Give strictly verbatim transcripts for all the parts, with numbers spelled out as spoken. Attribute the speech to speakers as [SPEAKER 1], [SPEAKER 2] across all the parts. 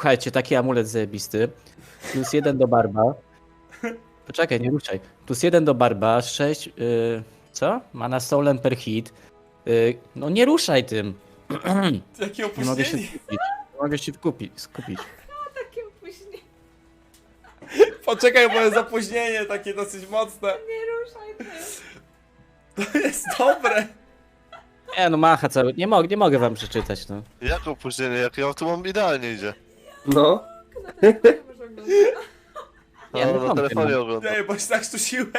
[SPEAKER 1] Słuchajcie, taki amulet zajebisty. Plus jeden do barba. Poczekaj, nie ruszaj. Plus jeden do barba, sześć... Yy, co? Mana stolen per hit. Yy, no nie ruszaj tym.
[SPEAKER 2] Jakie
[SPEAKER 1] Nie mogę się
[SPEAKER 2] opóźnienie.
[SPEAKER 1] skupić. Nie mogę się skupić. skupić.
[SPEAKER 3] Takie opóźnienie.
[SPEAKER 2] Poczekaj, bo jest opóźnienie takie dosyć mocne.
[SPEAKER 3] Nie ruszaj tym.
[SPEAKER 2] To jest dobre.
[SPEAKER 1] Nie no, macha cały. Nie, mog nie mogę wam przeczytać, no.
[SPEAKER 4] Jak opóźnienie? Jak ja tu mam idealnie idzie.
[SPEAKER 5] No.
[SPEAKER 3] Na telefonie może oglądać.
[SPEAKER 1] Nie,
[SPEAKER 4] No,
[SPEAKER 1] no,
[SPEAKER 4] na
[SPEAKER 1] wątpię,
[SPEAKER 4] telefonie
[SPEAKER 1] no.
[SPEAKER 4] oglądam.
[SPEAKER 2] Nie, bo się tak stusiłem.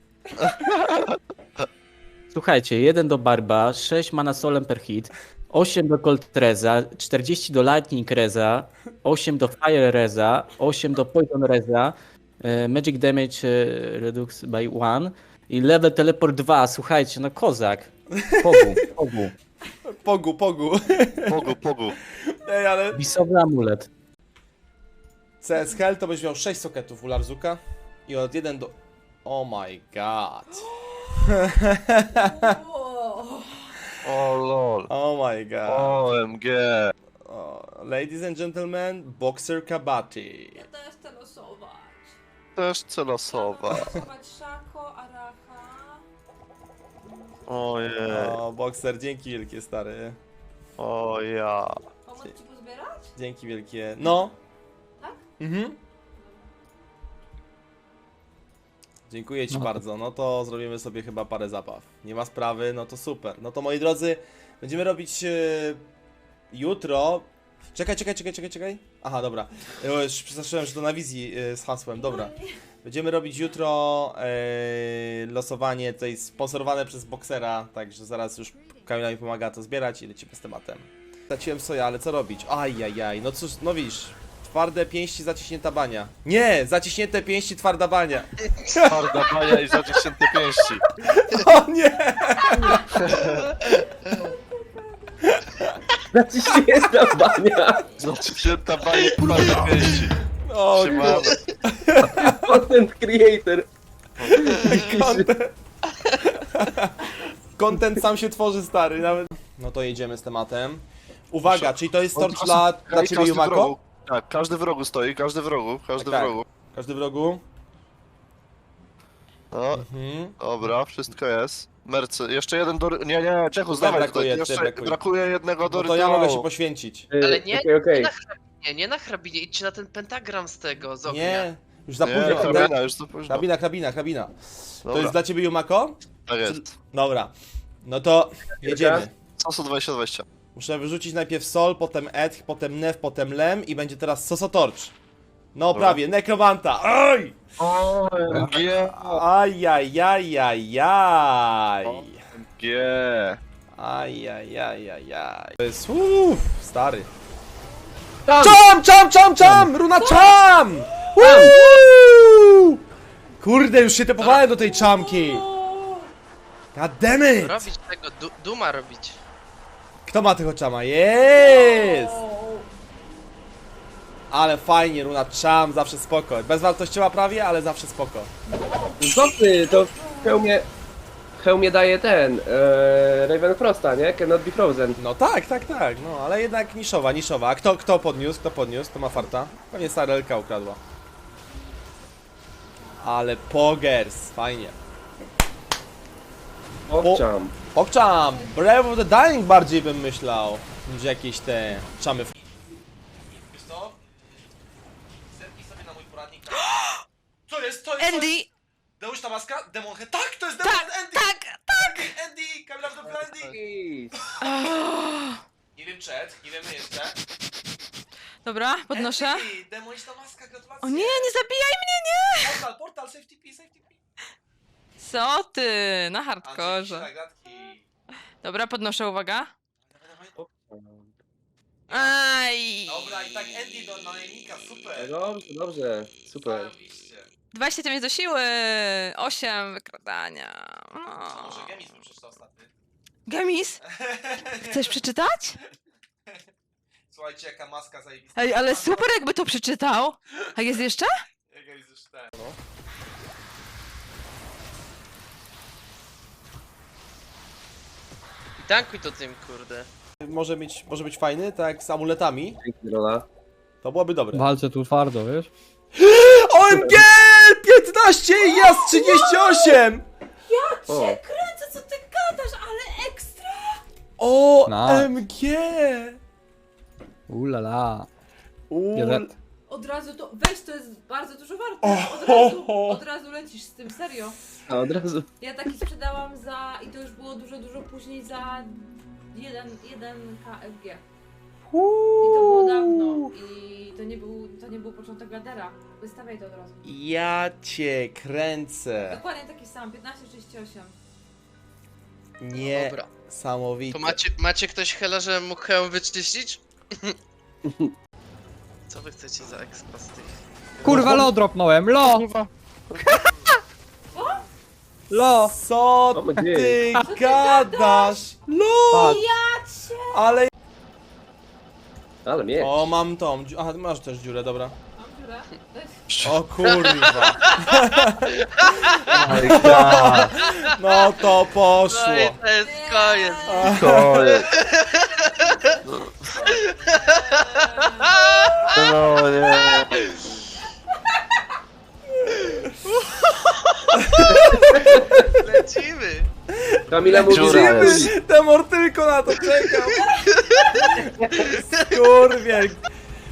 [SPEAKER 1] Słuchajcie, jeden do barba, sześć mana stolen per hit, osiem do cold reza, czterdzieści do lightning reza, osiem do fire reza, osiem do poison reza, e, magic damage e, redux by one i level teleport dwa. Słuchajcie, no kozak. Pogu, pogu.
[SPEAKER 2] Pogu, pogu.
[SPEAKER 4] Pogu, pogu.
[SPEAKER 2] Ej, ale
[SPEAKER 1] Bisowy amulet.
[SPEAKER 2] C S Hell to byś miał sześć soketów u Larzuka i od jeden do... Oh my god.
[SPEAKER 3] O,
[SPEAKER 4] O lol.
[SPEAKER 2] Oh my god.
[SPEAKER 4] O M G.
[SPEAKER 2] O, ladies and gentlemen, Boxer Kabati.
[SPEAKER 3] ja też chcę losować.
[SPEAKER 4] Też celosowa.
[SPEAKER 3] Losować Szako, Aracha.
[SPEAKER 4] Ojej.
[SPEAKER 2] O, Boxer, dzięki wielkie, stary.
[SPEAKER 4] O ja.
[SPEAKER 3] Pomóc ci pozbierać?
[SPEAKER 2] Dzięki wielkie. No.
[SPEAKER 3] Tak?
[SPEAKER 2] Mhm. Dziękuję ci
[SPEAKER 1] No.
[SPEAKER 2] bardzo. No to zrobimy sobie chyba parę zabaw. Nie ma sprawy, no to super. No to moi drodzy, będziemy robić e, jutro. Czekaj, czekaj, czekaj, czekaj, czekaj. Aha, dobra. Ja już przestraszyłem, że to na wizji e, z hasłem. Dobra. Będziemy robić jutro e, losowanie tutaj sponsorowane przez Boxera, także zaraz już Kamila mi pomaga to zbierać i lecimy z tematem. Zaciłem soja, ale co robić? Ajajaj, no cóż, no widzisz. Twarde pięści, zaciśnięta bania. Nie! Zaciśnięte pięści, twarda bania.
[SPEAKER 4] Twarda bania i zaciśnięte pięści.
[SPEAKER 2] O nie!
[SPEAKER 5] Naciśnięta bania.
[SPEAKER 4] Zaciśnięta bania i twarde pięści.
[SPEAKER 2] O
[SPEAKER 4] Siemano.
[SPEAKER 5] Content creator.
[SPEAKER 2] Content. Content sam się tworzy, stary, nawet. No to jedziemy z tematem. Uwaga, czyli to jest torch dla, dla ciebie,
[SPEAKER 4] Każdy w
[SPEAKER 2] Jumako?
[SPEAKER 4] rogu. Tak, każdy w rogu stoi, każdy w rogu, każdy
[SPEAKER 2] Tak,
[SPEAKER 4] w
[SPEAKER 2] tak.
[SPEAKER 4] rogu.
[SPEAKER 2] Każdy w rogu?
[SPEAKER 4] No,
[SPEAKER 2] Mhm.
[SPEAKER 4] dobra, wszystko jest. Mercy, jeszcze jeden do... Nie, nie, Czechu, zdawaj
[SPEAKER 2] brakuje,
[SPEAKER 4] tutaj.
[SPEAKER 2] tutaj
[SPEAKER 4] Jeszcze
[SPEAKER 2] brakuje.
[SPEAKER 4] brakuje jednego do
[SPEAKER 2] No to ja mogę się
[SPEAKER 4] rytuału.
[SPEAKER 2] poświęcić.
[SPEAKER 5] Y,
[SPEAKER 6] Ale nie,
[SPEAKER 5] Okej, okej.
[SPEAKER 6] nie na hrabinie, nie na hrabinie, idźcie na ten pentagram z tego, z ognia.
[SPEAKER 2] Nie, już za
[SPEAKER 4] Nie,
[SPEAKER 2] późno.
[SPEAKER 4] hrabina, już za późno.
[SPEAKER 2] Hrabina, hrabina, hrabina. To
[SPEAKER 4] Dobra,
[SPEAKER 2] jest dla ciebie, Jumako?
[SPEAKER 4] tak jest.
[SPEAKER 2] Dobra. No to jedziemy.
[SPEAKER 4] Soso dwadzieścia dwadzieścia.
[SPEAKER 2] Muszę wyrzucić najpierw Sol, potem Edh, potem Nef, potem Lem i będzie teraz Sosotorcz. No
[SPEAKER 4] Dobra.
[SPEAKER 2] prawie, Nekromanta. Oj!
[SPEAKER 4] O M G.
[SPEAKER 2] Ajajajajaj.
[SPEAKER 4] G.
[SPEAKER 2] Ajajajajaj. To jest uff, stary.
[SPEAKER 5] Tam!
[SPEAKER 2] Czam, czam, czam, czam! Runa czam! Uuu! Kurde, już się tepowałem do tej czamki. God damn it!
[SPEAKER 6] Robić tego, du duma robić.
[SPEAKER 2] Kto ma tego czama? Jest! Ale fajnie, runa czam, zawsze spoko. Bezwartościowa prawie, ale zawsze spoko.
[SPEAKER 5] Co ty, to w hełmie... W hełmie daje ten... E, Raven Frosta, nie? Cannot be frozen.
[SPEAKER 2] No tak, tak, tak, no ale jednak niszowa, niszowa. A kto, kto podniósł? Kto podniósł? To ma farta. Pewnie Sarelka ukradła. Ale pogers, fajnie.
[SPEAKER 5] Owczam.
[SPEAKER 2] Okczam! Brave of the Dying bardziej bym myślał, niż jakieś te czamy. Wiesz co? Zerknij sobie na mój poradnik. Co jest? Co jest?
[SPEAKER 7] Andy!
[SPEAKER 2] Deusz ta maska? Demon Head. Tak, to jest Demon
[SPEAKER 7] Tak,
[SPEAKER 2] Head! Andy!
[SPEAKER 7] tak, tak!
[SPEAKER 2] Andy! Kamila w dobry Andy! Nie wiem czet, nie wiemy jeszcze.
[SPEAKER 7] Dobra, podnoszę.
[SPEAKER 2] Andy! Demoniczna maska, gratulacje!
[SPEAKER 7] O nie, nie zabijaj mnie, nie!
[SPEAKER 2] Portal, portal, safety P, safety P.
[SPEAKER 7] Co ty? Na
[SPEAKER 2] Andrzej,
[SPEAKER 7] hardkorze.
[SPEAKER 2] tak, gratki.
[SPEAKER 7] Dobra, podnoszę, uwaga.
[SPEAKER 2] Dawaj, dawaj.
[SPEAKER 7] Aj!
[SPEAKER 2] Dobra, i tak Andy do najemnika, super.
[SPEAKER 5] Dobrze, dobrze. Super.
[SPEAKER 2] Zarobiście.
[SPEAKER 7] dwadzieścia dziewięć do siły! osiem wykradania.
[SPEAKER 2] Co,
[SPEAKER 7] No.
[SPEAKER 2] może Gemis bym przeczytał ostatni?
[SPEAKER 7] Gemis? Chcesz przeczytać?
[SPEAKER 2] Słuchajcie, jaka maska zajebista.
[SPEAKER 7] Ej, ale super jakby to przeczytał. A jest jeszcze?
[SPEAKER 2] Jaka jest już ten, no.
[SPEAKER 6] I tankuj to tym, kurde.
[SPEAKER 2] Może być, może być fajny, tak jak z amuletami.
[SPEAKER 5] Dzięki, Rola.
[SPEAKER 2] To byłoby dobre.
[SPEAKER 8] Walczę tu twardo, wiesz?
[SPEAKER 2] O M G! piętnaście i ja z trzydzieści osiem!
[SPEAKER 5] O.
[SPEAKER 3] Cię kręcę, co ty gadasz, ale ekstra!
[SPEAKER 2] O
[SPEAKER 8] Nice.
[SPEAKER 2] M G!
[SPEAKER 8] Ulala.
[SPEAKER 2] Ul...
[SPEAKER 8] Jeden.
[SPEAKER 3] Od razu to, weź, to jest bardzo dużo warte. Od razu, od razu lecisz z tym, serio.
[SPEAKER 5] A od razu.
[SPEAKER 3] Ja taki sprzedałam za, i to już było dużo, dużo później, za jeden K F G. I to było dawno. I to nie był, to nie był początek ladera. Wystawiaj to od razu.
[SPEAKER 2] Ja cię kręcę.
[SPEAKER 3] Dokładnie taki sam, piętnaście trzydzieści osiem.
[SPEAKER 2] Nie.
[SPEAKER 6] Dobra.
[SPEAKER 2] Samowite.
[SPEAKER 6] To macie, macie ktoś hela, że mógł hełm wyczyścić? Co wy chcecie za expa z tych?
[SPEAKER 8] Kurwa, lo dropnąłem, lo! Lo!
[SPEAKER 2] Co
[SPEAKER 5] O,
[SPEAKER 2] ty
[SPEAKER 5] dzień.
[SPEAKER 2] gadasz? No!
[SPEAKER 8] Patrz.
[SPEAKER 2] Ale...
[SPEAKER 5] Ale mnie.
[SPEAKER 2] O, mam tą. dziu- Aha, masz też dziurę, dobra.
[SPEAKER 3] Mam dziurę?
[SPEAKER 2] O kurwa. No to poszło.
[SPEAKER 6] No i to jest koniec.
[SPEAKER 4] Koniec. No nie.
[SPEAKER 6] Lecimy.
[SPEAKER 5] Kamila mówi,
[SPEAKER 4] Dziura
[SPEAKER 5] że
[SPEAKER 4] jest.
[SPEAKER 2] Temor tylko na to czekał. Skurwiel.